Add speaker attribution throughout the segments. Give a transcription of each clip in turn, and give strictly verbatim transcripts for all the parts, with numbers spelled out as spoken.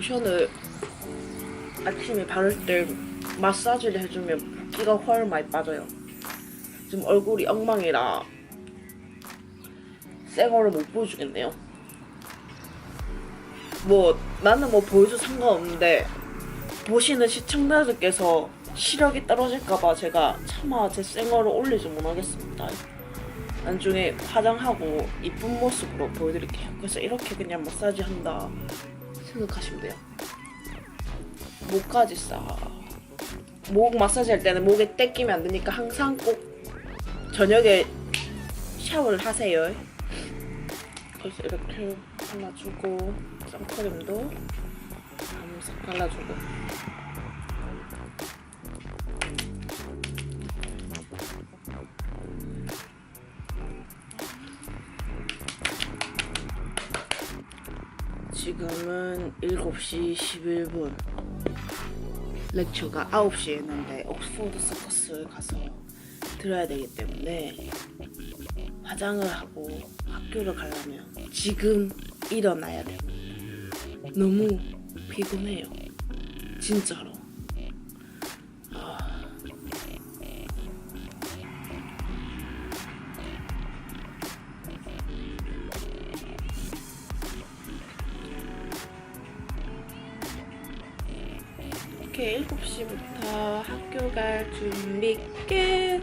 Speaker 1: 로션을 아침에 바를 때 마사지를 해주면 붓기가 훨 많이 빠져요. 지금 얼굴이 엉망이라 새 거를 못 보여주겠네요. 뭐 나는 뭐 보여도 상관없는데 보시는 시청자들께서 시력이 떨어질까봐 제가 차마 제 생얼을 올리지 못하겠습니다. 나중에 화장하고 이쁜 모습으로 보여드릴게요. 그래서 이렇게 그냥 마사지 한다 생각하시면 돼요. 목까지 싹. 목 마사지 할 때는 목에 때 끼면 안 되니까 항상 꼭 저녁에 샤워를 하세요. 그래서 이렇게 발라주고 선크림도 싹 발라주고. 지금은 일곱 시 십일 분. 렉처가 아홉 시에 있는데 옥스포드 서커스를 가서 들어야 되기 때문에 화장을 하고 학교를 가려면 지금 일어나야 돼요. 너무 피곤해요. 진짜로. 아... 이렇게 일곱 시부터 학교 갈 준비 끝!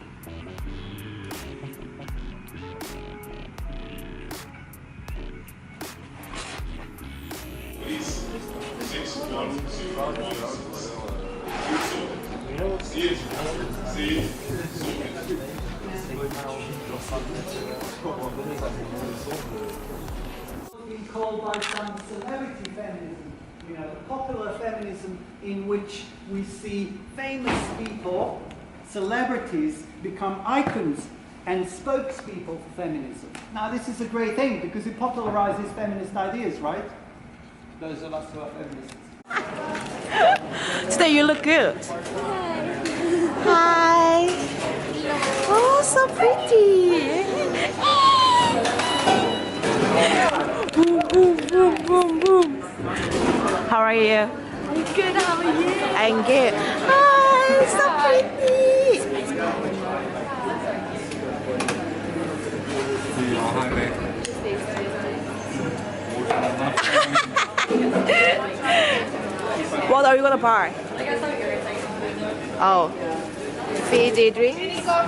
Speaker 2: Been called by some celebrity feminism, you know, popular feminism in which we see famous people, celebrities, become icons and spokespeople for feminism. Now this is a great thing because it popularizes feminist ideas, right? Those of us who are feminists.
Speaker 1: Today you look good. Hi. Oh, so pretty. Boom, boom, boom, boom, boom. How are you?
Speaker 3: I'm good, how are you?
Speaker 1: I'm good. Hi, so pretty. What are you gonna buy? Oh, fizzy drink.
Speaker 3: Smell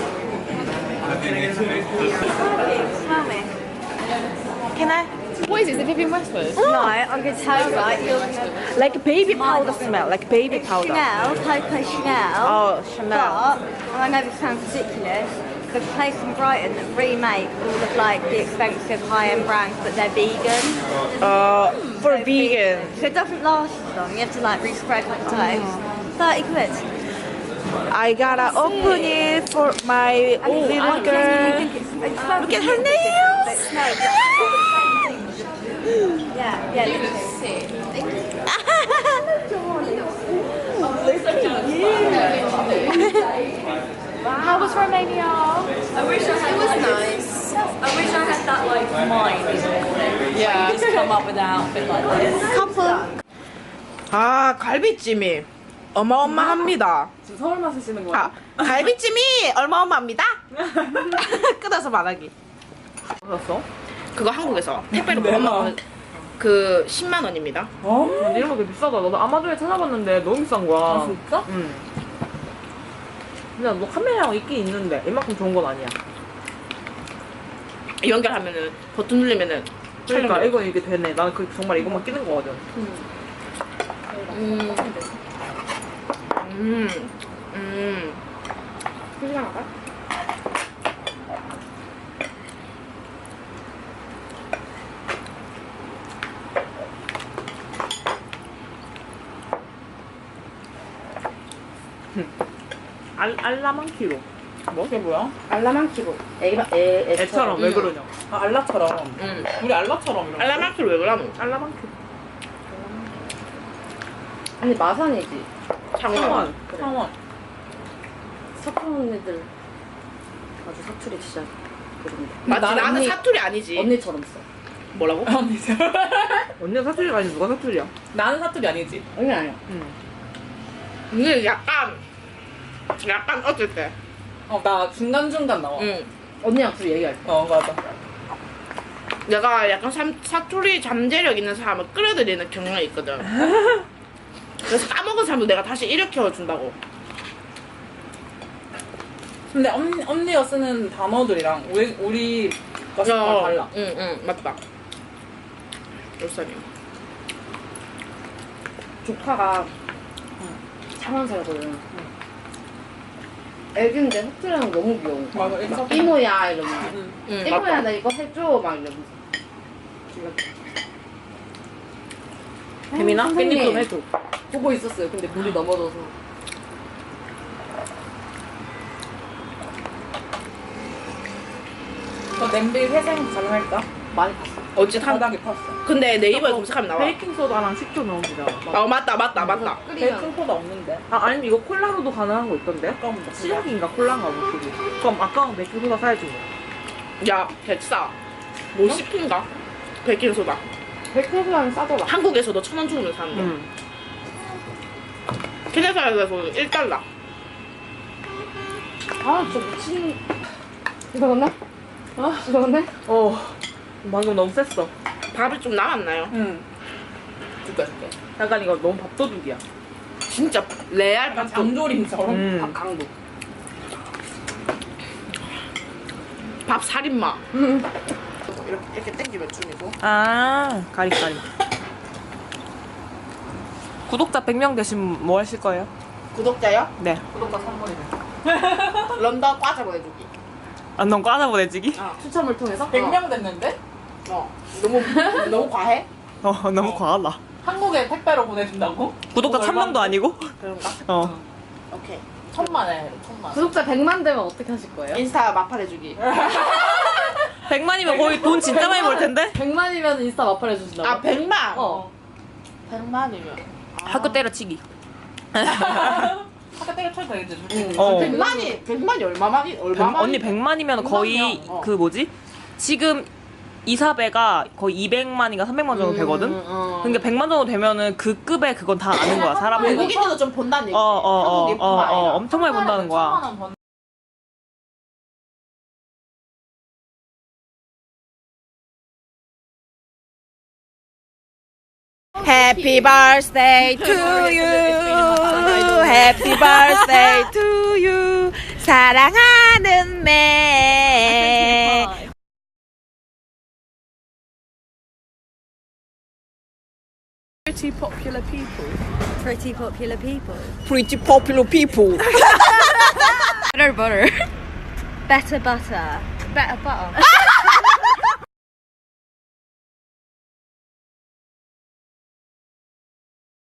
Speaker 3: me.
Speaker 1: Can I?
Speaker 4: What is it? Is it Vivienne Westwood?
Speaker 3: No, I'm going to tell you, right? You're gonna...
Speaker 1: Like baby powder smell, like baby
Speaker 3: It's
Speaker 1: powder.
Speaker 3: Chanel, Coco Chanel.
Speaker 1: Oh, Chanel.
Speaker 3: But, and I know this sounds ridiculous, there's a place in Brighton that remake all of like the expensive high-end brands, but they're vegan.
Speaker 1: Uh, for
Speaker 3: So
Speaker 1: vegan.
Speaker 3: So it doesn't last as long. You have to like re-spread the toast. thirty quid.
Speaker 1: I gotta open it for my little
Speaker 3: I
Speaker 1: girl.
Speaker 3: genuinely think it's, it smells
Speaker 1: Look at her
Speaker 3: ridiculous,
Speaker 1: nails.
Speaker 3: but it smells like- Yeah, yeah, literally.
Speaker 4: How was Romania?
Speaker 5: I wish I had, it was nice. I wish I had that like mind in all
Speaker 4: Yeah.
Speaker 5: just come up with an outfit like this.
Speaker 1: 커플. 아, 갈비찜이 어마어마합니다.
Speaker 4: 지금 서울만 쓰시는 거야?
Speaker 1: 아, 갈비찜이 어마어마합니다. 끄덕서 말하기.
Speaker 4: 샀어?
Speaker 1: 그거 한국에서 택배로 보내면 그 십만 원입니다.
Speaker 4: 어? 이런 거 되게 비싸다. 나도 아마존에 찾아봤는데 너무 비싼 거야.
Speaker 5: 아, 진짜?
Speaker 4: 응. 근데 뭐 카메라가 있긴 있는데 이만큼 좋은 건 아니야.
Speaker 1: 연결하면은 버튼 누르면은
Speaker 4: 그러니까
Speaker 1: 촬영돼요.
Speaker 4: 이거 이게 되네. 나는 그 정말 이것만 끼는 거거든.
Speaker 1: 음. 음. 음.
Speaker 4: 소시장 할까? 알, 알라만 키로. 뭐? 그게 뭐야?
Speaker 5: 알라만 키로. 애가 애
Speaker 4: 애처럼 왜
Speaker 1: 음.
Speaker 4: 그러냐? 아, 알라처럼.
Speaker 1: 음.
Speaker 4: 우리 알라처럼 이런 거.
Speaker 1: 알라마키로 왜 그러노?
Speaker 4: 알라만 키로.
Speaker 5: 아니 마산이지.
Speaker 1: 창원.
Speaker 4: 창원.
Speaker 5: 그래.
Speaker 4: 창원.
Speaker 5: 사촌 언니들 아주 사투리 진짜 그런데.
Speaker 1: 맞지?
Speaker 5: 난
Speaker 1: 나는
Speaker 5: 언니-
Speaker 1: 사투리 아니지.
Speaker 5: 언니처럼 써.
Speaker 1: 뭐라고?
Speaker 4: 언니가 사투리가 아니면 누가 사투리야?
Speaker 6: 나는 사투리 아니지.
Speaker 3: 아니 아니야.
Speaker 1: 이게 약간 약간 어쩔 때.
Speaker 6: 어, 나 중간중간 나와.
Speaker 1: 응.
Speaker 3: 언니랑 둘이 얘기할 때.
Speaker 6: 어, 맞아.
Speaker 1: 내가 약간 삼, 사투리 잠재력 있는 사람을 끌어들이는 경향이 있거든. 그래서 까먹은 사람도 내가 다시 일으켜 준다고.
Speaker 6: 근데 언니, 언니가 쓰는 단어들이랑 우리, 우리가 쓰는 건 달라.
Speaker 1: 응, 응, 맞다. 열살이야.
Speaker 3: 조카가 창원 살거든. 애기인데 사투리하는 거 너무 귀여워.
Speaker 6: 맞아, 애기 사투리.
Speaker 3: 이모야 이러면서.
Speaker 1: 응,
Speaker 3: 이모야
Speaker 1: 맞다.
Speaker 3: 나 이거 해줘 막 이러면서.
Speaker 4: 혜민아?
Speaker 3: 선생님.
Speaker 4: 깻잎 좀 해줘.
Speaker 3: 보고 있었어요. 근데 물이 넘어져서.
Speaker 6: 너 냄비 회생 가능할까?
Speaker 3: 많이 봤어.
Speaker 1: 어찌 한.
Speaker 6: 바닥에 팠어.
Speaker 1: 근데 네이버에 검색하면 나와.
Speaker 4: 베이킹소다랑 식초 넣으면 되잖아.
Speaker 1: 어, 맞다, 맞다, 맞다.
Speaker 3: 끓이면
Speaker 6: 베이킹소다 없는데.
Speaker 4: 아, 아니면 이거 콜라로도 가능한 거 있던데?
Speaker 6: 아까운데.
Speaker 4: 시작인가 콜라인가 뭐 그게. 그럼 아까운 베이킹소다 사야지 뭐.
Speaker 1: 야, 백사. 오십 인가? 베이킹소다.
Speaker 3: 백화점은 싸더라.
Speaker 1: 한국에서도 천 원 주면 사는 거.
Speaker 4: 응.
Speaker 1: 캐나다에서 일 달러.
Speaker 3: 아, 저 미친. 이거 넣나? 아, 이거 넣네?
Speaker 4: 어. 방금 너무 셌어.
Speaker 1: 밥이 좀 남았나요?
Speaker 6: 응. 줄게, 줄게.
Speaker 4: 약간 이거 너무 밥도둑이야.
Speaker 1: 진짜 레알
Speaker 6: 약간
Speaker 1: 밥도.
Speaker 6: 장조림처럼.
Speaker 4: 음.
Speaker 3: 밥 강도.
Speaker 1: 밥 살인마.
Speaker 3: 음.
Speaker 1: 이렇게, 이렇게 땡기면 춤이고.
Speaker 4: 아, 가리가리. 구독자 백 명 되시면 뭐 하실 거예요?
Speaker 1: 구독자요?
Speaker 4: 네.
Speaker 6: 구독자 선물이네.
Speaker 1: 런던 과자 보내주기.
Speaker 4: 아, 넌 과자 보내주기?
Speaker 3: 추첨을 통해서?
Speaker 6: 백 명 됐는데?
Speaker 1: 어. 너무, 너무 과해?
Speaker 4: 어, 너무
Speaker 6: 어.
Speaker 4: 과하다.
Speaker 6: 한국에 택배로 보내준다고?
Speaker 4: 구독자
Speaker 6: 그거
Speaker 4: 천 명도
Speaker 6: 얼마인데?
Speaker 4: 아니고?
Speaker 1: 그런가?
Speaker 4: 어.
Speaker 1: 오케이.
Speaker 6: 천만 해, 천만.
Speaker 3: 구독자 백만 되면 어떻게 하실 거예요?
Speaker 1: 인스타 마팔해주기.
Speaker 4: 백만이면 거의 돈 진짜 많이 벌 텐데?
Speaker 3: 백만이면 인스타 마팔 해주신다고?
Speaker 1: 아, 백만?
Speaker 3: 어.
Speaker 1: 백만이면.
Speaker 4: 학교 때려치기.
Speaker 6: 학교 때려쳐도 되겠지, 솔직히.
Speaker 4: 어.
Speaker 1: 백만이, 백만이 얼마만이,
Speaker 4: 백-
Speaker 1: 얼마만이?
Speaker 4: 언니 백만이면 거의
Speaker 1: 백만 명, 어.
Speaker 4: 그 뭐지? 지금 이사배가 거의 이백만인가 삼백만 정도 되거든?
Speaker 1: 어.
Speaker 4: 그러니까 백만 정도 되면은 그 급에 그건 다 아는 거야, 사람들이.
Speaker 1: 외국인들도 좀 본다는 얘기지.
Speaker 4: 어, 어, 어,
Speaker 1: 한국
Speaker 4: 어,
Speaker 1: 예뿐만
Speaker 4: 어,
Speaker 1: 아니라.
Speaker 4: 엄청 많이 본다는 거야.
Speaker 6: 천만 원 번.
Speaker 4: Happy birthday to you. Happy birthday to you. 사랑하는 매. Pretty popular people.
Speaker 3: Pretty popular people.
Speaker 4: Pretty popular people.
Speaker 3: Better butter. Better butter. Better butter.